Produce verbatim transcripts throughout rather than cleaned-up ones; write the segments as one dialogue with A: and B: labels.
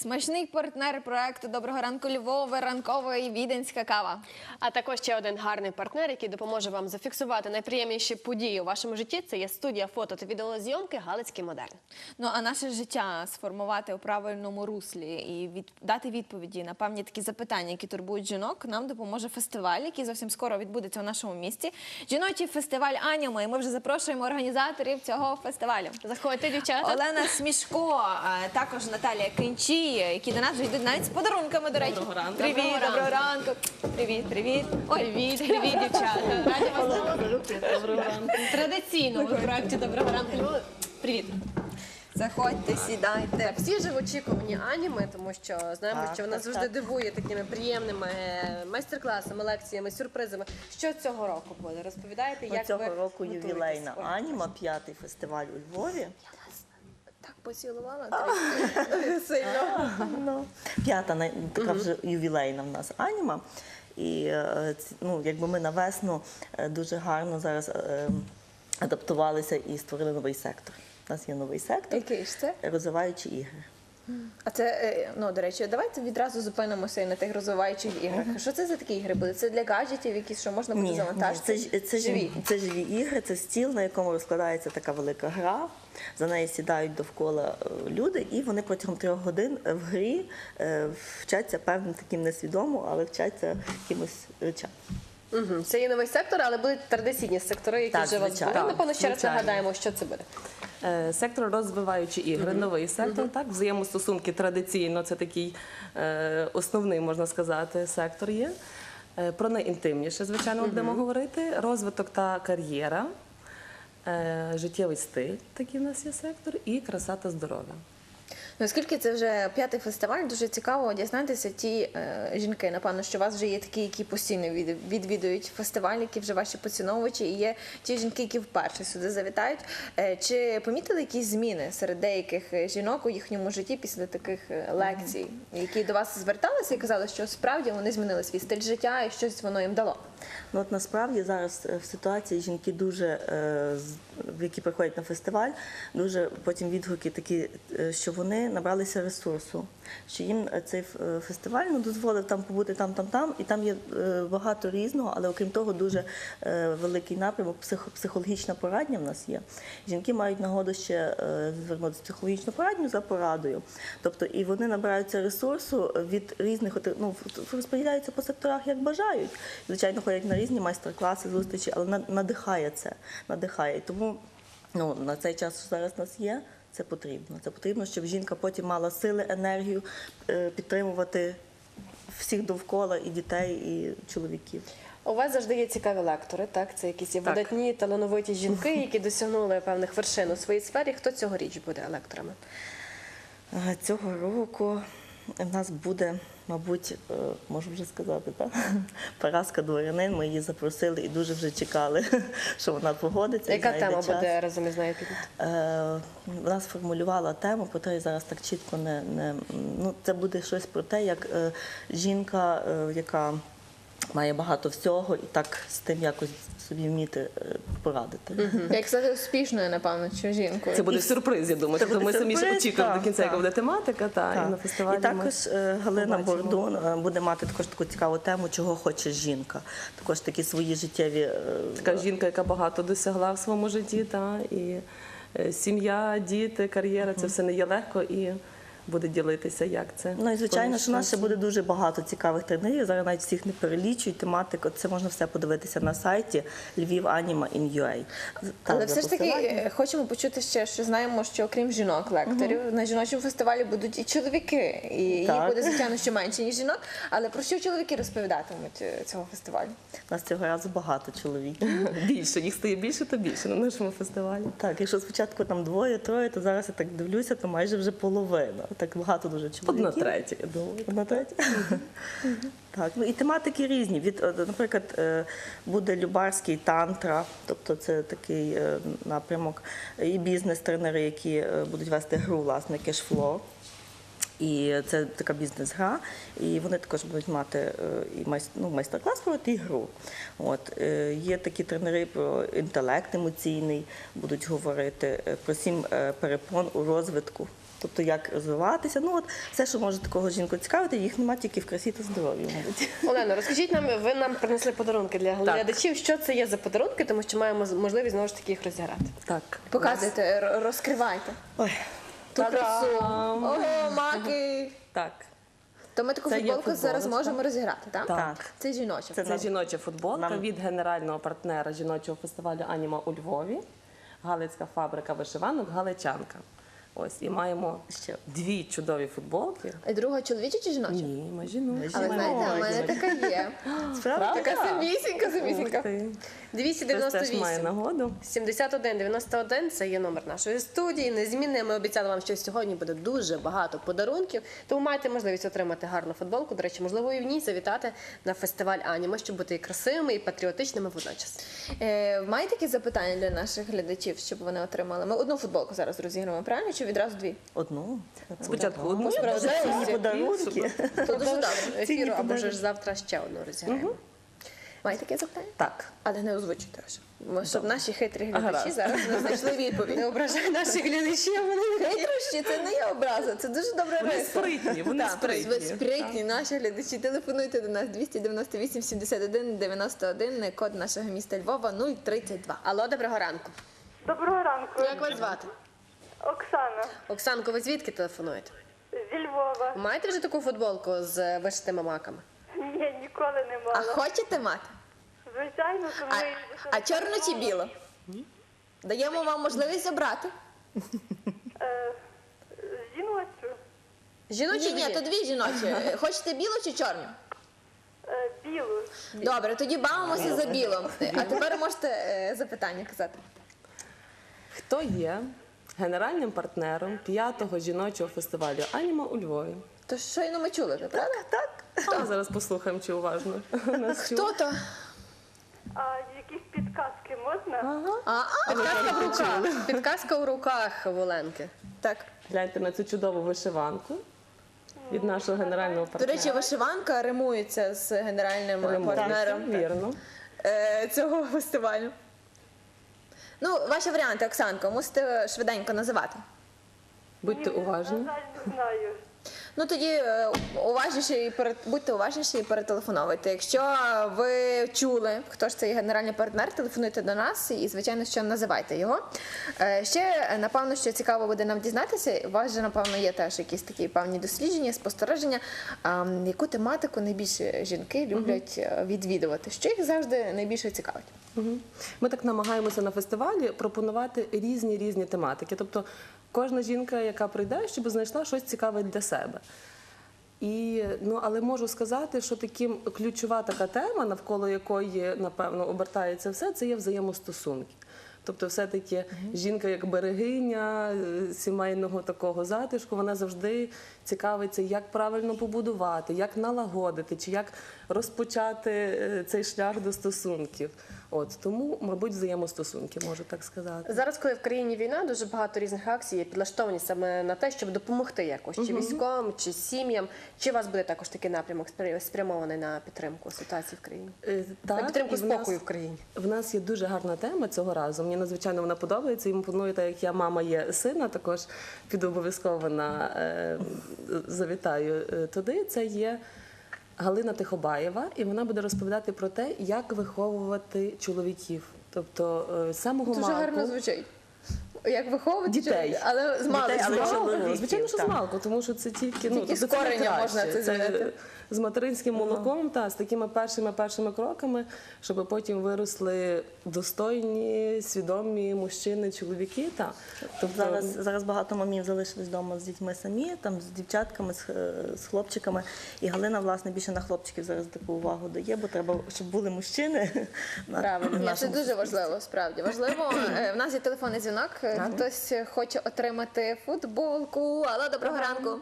A: Смачний партнер проекту «Доброго ранку Львова», ранкова і віденська кава.
B: А також ще один гарний партнер, який допоможе вам зафіксувати найприємніші події у вашому житті. Це є студія фото та відеозйомки «Галицький модерн».
A: Ну, а наше життя сформувати у правильному руслі і від... дати відповіді на певні такі запитання, які турбують жінок, нам допоможе фестиваль, який зовсім скоро відбудеться у нашому місті. Жіночий фестиваль «Аніма», і ми вже запрошуємо організаторів цього фестивалю.
B: Заходьте, дівчата.
A: Олена Смішко, також Наталія Кинчі, які до нас вже йдуть навіть з подарунками, до речі.
C: Доброго ранку.
A: Привіт, доброго, доброго ранку. Привіт, привіт. Ой,
B: Привіт, привіт, дівчата. Раді вас бачити.
C: Доброго ранку.
B: Традиційно ви в проєкті «Доброго ранку Львова». Привіт.
A: Заходьте, сідайте.
B: Так, всі ж в очікуванні аніми, тому що знаємо,
C: Так,
B: що вона
C: так,
B: завжди
C: так.
B: дивує такими приємними майстер-класами, лекціями, сюрпризами. Що цього року буде? Розповідаєте, як
C: Цього
B: ви
C: року
B: готуєтесь?
C: ювілейна
B: Ой,
C: «Аніма», п'ятий фестиваль у Львові.
A: Так поцілувала трохи сильно.
C: Ну, п'ята най- така вже ювілейна в нас «Аніма». І е, ці- ну, якби ми на весну е, дуже гарно зараз е, адаптувалися і створили новий сектор. У нас є новий сектор
A: Який ж це?
C: розвиваючі ігри.
A: А це, е, ну, до речі, давайте відразу зупинимося і на тих розвиваючих іграх. Що це за такі ігри були? Це для гаджетів якісь, що можна буде
C: Ні, ні,
A: завантажити?
C: це, ж- це, живі, це живі ігри, це стіл, на якому розкладається така велика гра. За неї сідають довкола е, люди, і вони протягом трьох годин в грі е, вчаться певним таким несвідомо, але вчаться якимось речам.
B: Угу. Це є новий сектор, але будуть традиційні сектори, які
C: Так,
B: вже у вас
C: звичайно.
B: були. Напевно, ще раз
D: звичайно.
B: нагадаємо, що це буде.
D: Е, Сектор розвиваючі ігри, новий сектор, так, взаємостосунки традиційно, це такий е, основний, можна сказати, сектор є. Е, Про найінтимніше, звичайно, ми будемо говорити. Розвиток та кар'єра, е, життєвий стиль, такий в нас є сектор, і краса та здоров'я.
A: Ну, оскільки це вже п'ятий фестиваль, дуже цікаво дізнатися ті е, жінки, напевно, що у вас вже є такі, які постійно від, відвідують фестиваль, які вже ваші поціновувачі, і є ті жінки, які вперше сюди завітають. Е, чи помітили якісь зміни серед деяких е, жінок у їхньому житті після таких е, лекцій, які до вас зверталися і казали, що справді вони змінили свій стиль життя і щось воно їм дало?
C: Ну, от насправді зараз е, в ситуації жінки дуже, е, з- які приходять на фестиваль, дуже потім відгуки такі, е, що вони набралися ресурсу, що їм е, цей ф- е, фестиваль ну, дозволив там побути там, там, там, і там є е, багато різного, але окрім того дуже е, великий напрямок, психо- психологічна порадня в нас є. Жінки мають нагоду ще е, звернутися в психологічну порадню за порадою. Тобто і вони набираються ресурсу від різних, от, ну, розподіляються по секторах, як бажають. Звичайно, ходять на різні майстер-класи, зустрічі, але на- надихає це, надихає. І тому ну, на цей час, що зараз у нас є, це потрібно. Це потрібно, щоб жінка потім мала сили, енергію е, підтримувати всіх довкола, і дітей, і чоловіків.
B: У вас завжди є цікаві лектори, так? Це якісь є
D: Так.
B: видатні, талановиті жінки, які досягнули певних вершин у своїй сфері. Хто цьогоріч буде лекторами?
C: Е, Цього року в нас буде, мабуть, е, можу вже сказати, так? Параска Дворянин. Ми її запросили і дуже вже чекали, що вона погодиться. і
B: Яка
C: знайде
B: тема
C: час.
B: буде разом із нею підняти?
C: Е, Вона сформулювала тему, про те, я зараз так чітко не, не ну це буде щось про те, як е, жінка, е, яка має багато всього, і так з тим якось собі вміти е, порадити.
A: Як стати успішною, напевно, чи жінкою?
D: Це буде сюрприз, я думаю.
C: Це
D: Тобто
C: буде
D: ми самі ж
C: сюрприз,
D: очікуємо
C: так,
D: до кінця, яка
C: так.
D: буде тематика, та,
C: Так.
D: і на фестивалі
C: І також е, Галина
D: побачимо.
C: Бордун е, буде мати також таку цікаву тему, чого хоче жінка. Також такі свої життєві е,
D: Така жінка, яка багато досягла в своєму житті, та, і е, сім'я, діти, кар'єра, це все не є легко, і буде ділитися, як це.
C: Ну і звичайно, що у нас ще
D: поміщається.
C: буде дуже багато цікавих тренерів. Зараз навіть всіх не перелічують тематику. Це можна все подивитися на сайті Львів Аніма ін ю ей.
A: Але
C: Там
A: все ж таки
C: посилання.
A: е, хочемо почути ще, що знаємо, що окрім жінок-лекторів, на жіночому фестивалі будуть і чоловіки. І їх
C: Так.
A: буде, звичайно, ще менше, ніж жінок. Але про що чоловіки розповідатимуть е, цього фестивалю?
C: У нас цього разу багато чоловіків.
D: Більше, їх стає більше, то більше на нашому фестивалі.
C: Так, якщо спочатку там двоє-троє, то зараз я так дивлюся, то майже вже половина. Так багато дуже чоловіків.
D: Одна третя, я думаю.
C: Одна третя? Так, ну і тематики різні. Від, е, наприклад, е, буде любарський тантра, тобто це такий е, напрямок, і бізнес-тренери, які е, будуть вести гру, власне, кешфло. І це така бізнес-гра, і вони також будуть мати е, і майс- ну, майстер-клас проводити і гру. От, е, є такі тренери про інтелект емоційний, будуть говорити, е, про сім е, перепон у розвитку. тобто як розвиватися. Ну от все, що може такого жінку цікавити, їх немає тільки в красі та здоров'ї, мабуть.
B: Олено, розкажіть нам, ви нам принесли подарунки для
D: Так.
B: глядачів. Що це є за подарунки, тому що маємо можливість знову ж таки їх розіграти.
D: Так.
A: Показуйте, р- розкривайте.
C: Ой,
A: Ту красу.
D: Та-дам!
A: Ого, маки.
D: Так.
A: То ми таку
D: Це є
A: футболку зараз
D: футболочка.
A: можемо розіграти, так?
C: Так.
A: Це жіноча.
C: Це
D: Це жіноча футболка
C: Нам-
D: від генерального партнера жіночого фестивалю Аніма у Львові, Галицька фабрика вишиванок Галичанка. Ось, і маємо
C: Ще.
D: дві чудові футболки.
A: І друга чоловіча чи жіноча?
D: Ні, ми жіночі.
A: Але знаєте, у мене така є.
C: Справді?
A: Така самісінька, самісінька.
D: Ух ти.
B: двісті
D: Хтось
B: дев'яносто
D: теж має
B: вісім.
D: нагоду.
B: сімдесят один дев'яносто один – це є номер нашої студії. Незмінне. Ми обіцяли вам, що сьогодні буде дуже багато подарунків. Тому маєте можливість отримати гарну футболку. До речі, можливо, і в ній завітати на фестиваль Аніма, щоб бути і красивими, і патріотичними водночас.
A: Е, маєте якісь запитання для наших глядачів, щоб вони отримали? Ми одну футболку зараз розіграємо, правильно? Чи відразу дві?
C: Одну.
D: Спочатку одну,
C: Ці подарунки.
A: То дуже добре.
B: Ефіру або ж завтра ще одну розіграємо.
A: Маєте таке запитання?
D: Так.
A: Але не озвучуйте вже. Бо щоб наші хитрі глядачі
D: Гаразд.
A: зараз не знайшли відповідь.
B: Не ображай наших глядачів, вони не
A: Хитрощі це не є образа, це дуже добре
D: Вони
A: риса.
D: спритні, вони
A: Так,
D: спритні.
A: ви спритні, наші глядачі. Телефонуйте до нас двісті дев'яносто вісім сімдесят один дев'яносто один, код нашого міста Львова нуль тридцять два.
B: Алло, доброго ранку.
E: Доброго ранку.
B: Як вас звати?
E: Оксана
B: Оксанко, ви звідки телефонуєте?
E: зі Львова.
B: Маєте вже таку футболку з вишитими маками?
E: Ні, ніколи не
A: А
E: мала.
A: хочете мати?
E: Звичайно, тому
A: А,
E: і
A: а чорну чи білу? Даємо вам можливість обрати.
E: Е, жіночу.
B: Жіночі
A: Ні, ні, то дві жіночі. Е, Хочете білу чи чорну?
E: Е, білу.
A: Добре, тоді бавимося за білу. А тепер можете е, запитання казати.
D: Хто є генеральним партнером п'ятого жіночого фестивалю Аніма у Львові?
A: То щойно ми чули, вже, правда? Так.
D: А зараз послухаємо, чи уважно нас чули.
A: Хто то?
E: А якісь підказки можна?
D: Ага.
A: А, а,
B: Підказка в руках. Підказка в руках Воленки.
A: так.
D: Гляньте на цю чудову вишиванку від нашого генерального
A: До
D: партнера.
A: речі, вишиванка римується з генеральним
D: Римує.
A: партнером
D: Вірно.
A: е, цього фестивалю. Ну, ваші варіанти, Оксанко, мусите швиденько називати.
D: Будьте уважні.
E: На жаль, не знаю.
A: Ну тоді е, уважніше і пере- будьте уважніші і перетелефоновуйте. Якщо ви чули, хто ж цей генеральний партнер, телефонуйте до нас і, звичайно, що називайте його. Е, Ще, е, напевно, що цікаво буде нам дізнатися, у вас же, напевно, є теж якісь такі певні дослідження, спостереження, а, м, яку тематику найбільше жінки люблять е, відвідувати, що їх завжди найбільше цікавить.
D: Мгм. Ми так намагаємося на фестивалі пропонувати різні різні тематики. Тобто кожна жінка, яка прийде, щоб знайшла щось цікаве для себе. І, ну, але можу сказати, що таким ключова така тема, навколо якої, напевно, обертається все, це є взаємостосунки. Тобто, все-таки жінка як берегиня е, сімейного такого затишку, вона завжди цікавиться, як правильно побудувати, як налагодити, чи як розпочати е, цей шлях до стосунків. От тому, мабуть, взаємостосунки, можу так сказати.
B: Зараз, коли в країні війна, дуже багато різних акцій є підлаштовані саме на те, щоб допомогти якось, чи військовим, чи сім'ям. Чи у вас буде також такий напрямок спря- спрямований на підтримку ситуації в країні?
D: Е,
B: На
D: так,
B: підтримку
D: і в нас-
B: спокою в країні.
D: В нас є дуже гарна тема цього разу. Мені надзвичайно вона подобається. І планую, так як я мама є сина, також піду обов'язково на е, завітаю е, туди. Це є Галина Тихобаєва, і вона буде розповідати про те, як виховувати чоловіків. Тобто е, з самого
A: Дуже
D: малку.
A: гарно звучить. Як виховувати
D: Дітей.
A: чоловіка, але з малку.
C: Дітей, але
D: З малку,
C: чоловіків,
D: звичайно, що з
C: так.
D: малку, тому що це тільки, ну,
A: Тільки з
D: тобто це
A: кореня
D: найкраще.
A: можна це змінити.
D: з материнським молоком, та з такими першими першими кроками, щоб потім виросли достойні, свідомі мужчини, чоловіки. Та тобто
C: Зараз, зараз багато мамів залишились вдома з дітьми самі, там з дівчатками, з, е, з хлопчиками. І Галина, власне, більше на хлопчиків зараз таку увагу дає, бо треба, щоб були мужчини. на-
B: Правильно.
C: в
A: Ні, це
C: нашому
A: дуже важливо, справді. Важливо. Е, В нас є телефонний дзвінок. Е, Хтось хоче отримати футболку. Алло, доброго ранку.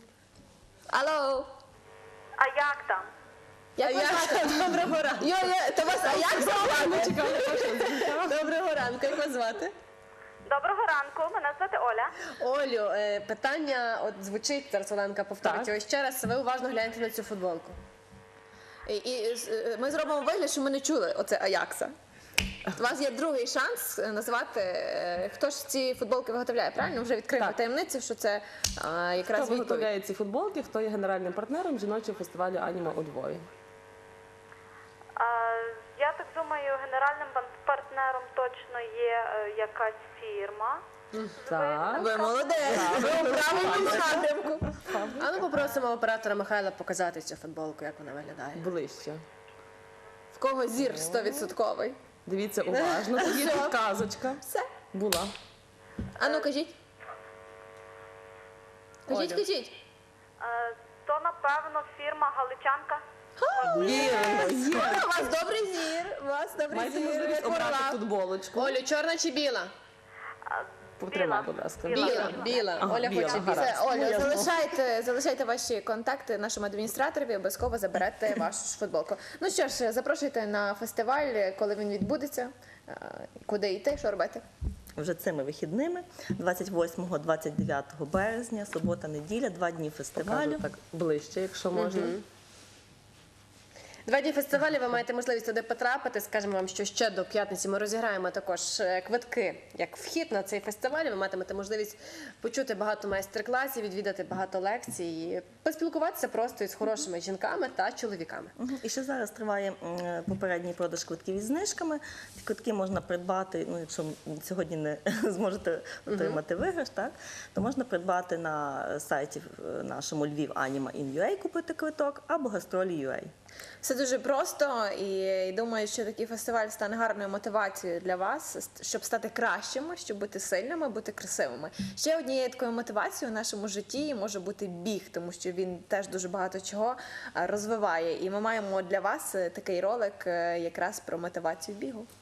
A: Алло.
E: А як там?
A: Як вас звати? Доброго ранку. Йо, йо, то вас, а як звати? Доброго ранку, як вас звати?
E: Доброго ранку, мене звати Оля.
B: Олю, е, питання от звучить, зараз Оленка повторить
D: Так.
B: його ще раз. Ви уважно гляньте на цю футболку.
A: І, і е, ми зробимо вигляд, що ми не чули оце Аякса. У вас є другий шанс е, назвати, е, хто ж ці футболки виготовляє, правильно? Вже відкриємо
D: Так.
A: таємницю, що це е, якраз
D: Хто
A: відповідь.
D: виготовляє ці футболки, хто є генеральним партнером жіночого фестивалю «Аніма» у Львові?
E: А, я так думаю, генеральним пан- партнером точно є е, якась фірма.
D: Так.
A: Ви молодець, ви у правильному напрямку.
B: А ну попросимо оператора Михайла показати цю футболку, як вона виглядає.
D: Ближче.
A: В кого зір стовідсотковий?
D: Дивіться уважно, тут є
A: Все.
D: підказочка.
A: Все.
D: Була.
A: А ну кажіть. Кажіть,
B: Оля.
A: кажіть.
E: Е, то, напевно, фірма Галичанка.
D: Вірно, є.
A: У вас добрий зір, у вас добрий
D: Маєте
A: зір.
D: можливість
A: як
D: обрати
A: орла.
D: футболочку.
B: Олю, чорна чи біла?
D: Потримай, будь ласка.
B: Біла, біла.
D: Ага,
B: Оля
D: біла,
B: хоче
D: гаразд.
B: біла.
A: Все, Оля, залишайте, залишайте ваші контакти нашому адміністраторові, обов'язково заберете вашу ж футболку. Ну що ж, запрошуйте на фестиваль, коли він відбудеться, е, куди йти, що робити.
C: Вже цими вихідними, двадцять восьмого - двадцять дев'ятого березня, субота, неділя, два дні фестивалю.
D: Покажу так ближче, якщо можна.
B: Два дні фестивалю ви маєте можливість туди потрапити. Скажемо вам, що ще до п'ятниці ми розіграємо також е, квитки як вхід на цей фестиваль. Ви матимете можливість почути багато майстер-класів, відвідати багато лекцій, і поспілкуватися просто із хорошими жінками та чоловіками.
C: Мгм. І ще зараз триває м, попередній продаж квитків із знижками. Ці квитки можна придбати, ну якщо сьогодні не зможете отримати виграш, так, то можна придбати на сайті е, нашому Львів Аніма ін ю ей, купити квиток, або гастролі ю ей.
A: Все дуже просто, і думаю, що такий фестиваль стане гарною мотивацією для вас, щоб стати кращими, щоб бути сильними, бути красивими. Ще однією такою мотивацією в нашому житті може бути біг, тому що він теж дуже багато чого е, розвиває. І ми маємо для вас е, такий ролик е, якраз про мотивацію бігу.